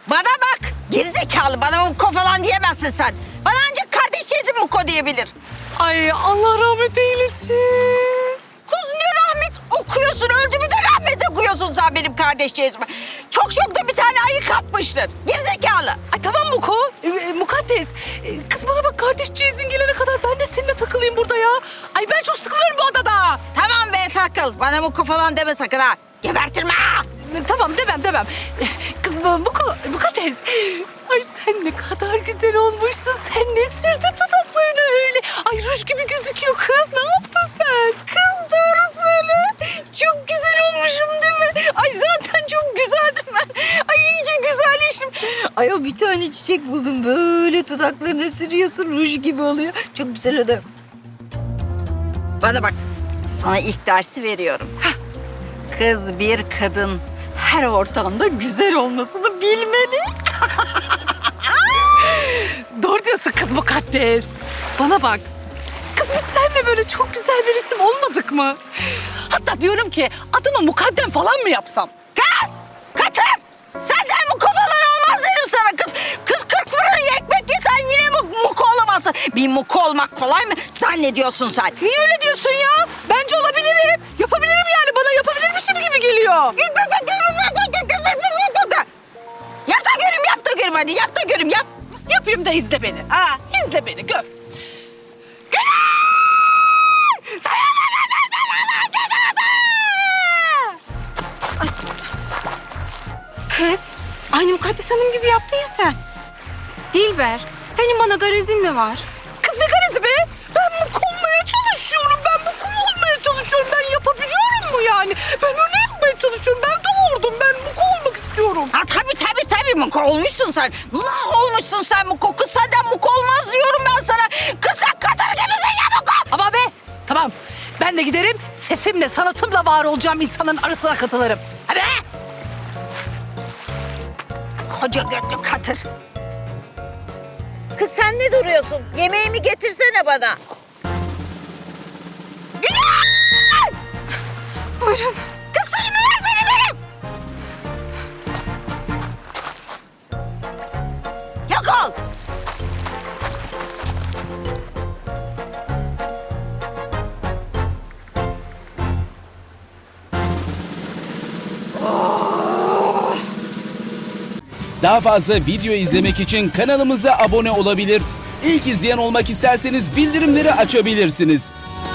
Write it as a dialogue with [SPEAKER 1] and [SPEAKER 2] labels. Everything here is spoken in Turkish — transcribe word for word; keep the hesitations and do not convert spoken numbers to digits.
[SPEAKER 1] Bana bak. Gerizekalı, bana Muko falan diyemezsin sen. Bana ancak kardeşçeyizim Muko diyebilir.
[SPEAKER 2] Ay Allah rahmet eylesin.
[SPEAKER 1] Kız ne rahmet okuyorsun? Öldü mü de rahmet okuyorsun sen benim kardeşçeyizime. Çok çok da bir tane ayı kapmıştır. Gerizekalı.
[SPEAKER 2] Ay tamam Muko, e, e, Mukaddes. E, kız bana bak, kardeşçeyizin gelene kadar ben de seninle takılayım burada ya. Ay ben çok sıkılıyorum bu odada.
[SPEAKER 1] Tamam be, takıl. Bana Muko falan deme sakın ha. Gebertirme ha.
[SPEAKER 2] E, Tamam demem demem. E, Kız bu Muko, Mukaddes. Ay sen ne kadar güzel olmuşsun. Sen ne sürdün dudaklarına öyle. Ay ruj gibi gözüküyor kız. Ne yaptın sen?
[SPEAKER 1] Kız doğru söyle. Çok güzel olmuşum değil mi? Ay zaten çok güzeldim ben. Ay iyice güzelleştim. Ay o bir tane çiçek buldum. Böyle dudaklarına sürüyorsun, ruj gibi oluyor. Çok güzel oldu. Bana bak. Sana ilk dersi veriyorum. Hah. Kız bir kadın her ortamda güzel olmasını bilmeli.
[SPEAKER 2] Doğru diyorsun kız Mukaddes. Bana bak. Kız biz seninle böyle çok güzel bir isim olmadık mı? Hatta diyorum ki adımı Mukaddem falan mı yapsam?
[SPEAKER 1] Kız! Katır! Senden Muko falan olmaz derim sana kız. Kız kırk fırın ekmek yesen yine mu Muko olamazsın. Bir Muko olmak kolay mı zannediyorsun sen?
[SPEAKER 2] Niye öyle diyorsun ya? Bence olabilirim. Yapabilirim yani, bana yapabilirmişim gibi geliyor.
[SPEAKER 1] Yap da göreyim, yap da göreyim hadi. Yap da göreyim, yap.
[SPEAKER 2] Yapayım da izle beni.
[SPEAKER 1] Aa.
[SPEAKER 2] İzle beni, gör.
[SPEAKER 3] Kız, aynı Mukaddes Hanım gibi yaptın ya sen. Dilber, senin bana garezin mi var?
[SPEAKER 2] Kız ne garezi be? Ben Muko olmaya çalışıyorum. Ben Muko olmaya çalışıyorum. Ben yapabiliyorum mu yani? Ben öyle yapmaya çalışıyorum. Ben doğurdum. Ben Muko olmak istiyorum.
[SPEAKER 1] Ha tabii tabii tabii Muko olmuşsun sen. Ne olmuşsun sen Muko? Kız senden Muko olmaz diyorum ben sana. Kız sen Katır gibisin ya Muko.
[SPEAKER 2] Ama be, tamam. Ben de giderim, sesimle, sanatımla var olacağım insanların arasına katılırım. Hadi.
[SPEAKER 1] Koca götlü Katır. Kız sen ne duruyorsun? Yemeğimi getirsene bana. Güney!
[SPEAKER 3] Buyurun.
[SPEAKER 1] Kız suyumu versene benim. Yok ol.
[SPEAKER 4] Daha fazla video izlemek için kanalımıza abone olabilir. İlk izleyen olmak isterseniz bildirimleri açabilirsiniz.